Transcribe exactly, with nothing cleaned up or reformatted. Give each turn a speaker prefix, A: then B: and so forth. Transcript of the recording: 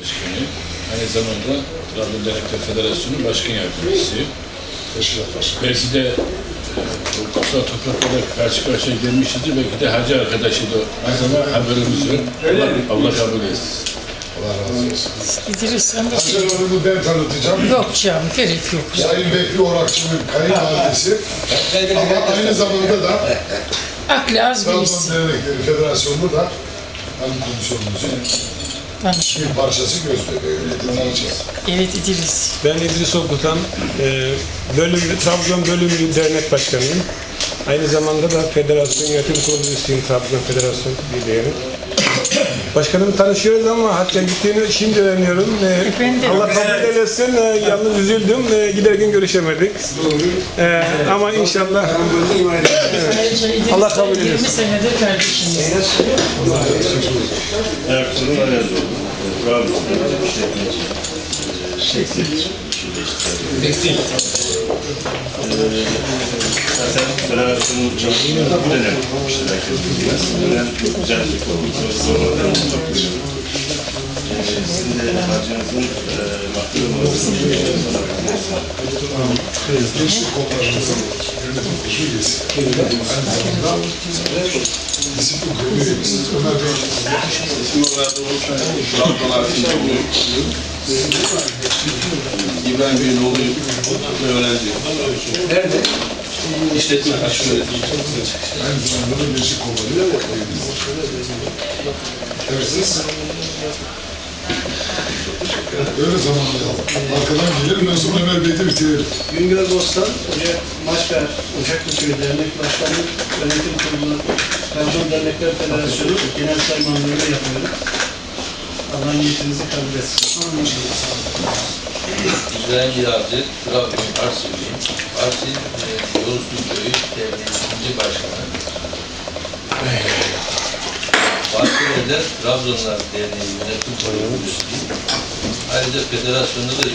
A: Başkanı. Aynı zamanda Trabzon Dernekler Federasyonu Başkan Yardımcısıyım. Belki de e, o kutsal topraklara karşı karşıya gelmişizdir. Belki de hacı arkadaşıydı. Ama haberimiz yok. Allah, Allah kabul etsin.
B: Allah razı olsun.
C: İdris sen de
B: Hacı Hanım'ı ben tanıtacağım.
C: yok canım, gerek yok.
B: Sayın Bekri Orakçı'nın kayınvalidesi. Ama aynı zamanda da
C: Aklı az
B: Trabzon
C: birisi.
B: Dernekleri Federasyonu'nda hanım komisyonumuzun
C: Tanışıyor.
B: bir parçası Gözbebeği. Öyle tanıyacağız.
C: Evet İdris.
D: Ben İdris Okutan, e, bölüm, Trabzon Bölümlü Dernek Başkanıyım. Aynı zamanda da Federasyon Yönetim Kurulu üyesiyim, Trabzon Federasyon Birliği'nin. Başkanımı tanışıyoruz ama hatta gittiğini şimdi öğreniyorum. E,
C: Ben de.
D: Allah kabul eylesin, e, yalnız üzüldüm, e, giderken görüşemedik. E, ama inşallah
C: İdris
D: Allah kabul eylesin.
C: yirmi senedir kardeşimiz.
E: Ertuğrul Ayazoğlu, Trabzon'da işletmeci, şekil, tekstil. Zaten federasyonun çalışmaları bu dönem bitmiştir, herkes bilmez. Bu dönem çok güzel bir konu. Sonradan tutabilir. Sizin de harcınızın mahkum olmasını
B: Gençlik kollarımızın yönetim kurulu üyesi. Aynı zamanda disiplin kurulu üyesi. Ömer Bey.
F: İsim olarak da oluşan Trabzonlar içinde buluyor. İbrahim Bey'in oğluyum ve öğrenciyim. Nerede? İşletme aşkı öğretimi.
B: Aynı zamanda da gençlik kolları üyemiz. Evet siz? Öyle zamanlayalım. Arkadan gelelim, ben sonra Ömer Bey'de bitirelim.
G: Güngör Bostan, Maçkar, Ocaklıköy Dernek Başkanlığı Yönetim Kurulu, Trabzon Dernekler Federasyonu Genel Saymanlığı'nı yapıyorum. Allah niyetinizi kabul etsin.
H: İbrahim Yağcı, Trabzon Arsi'liyim. Arsi, e, Yolsuz Köyü Derneği ikinci Başkanı. Bahçeli'de Trabzonlar Derneği Yönetim Kurulu üyesiyim. Ayrıca federasyonda da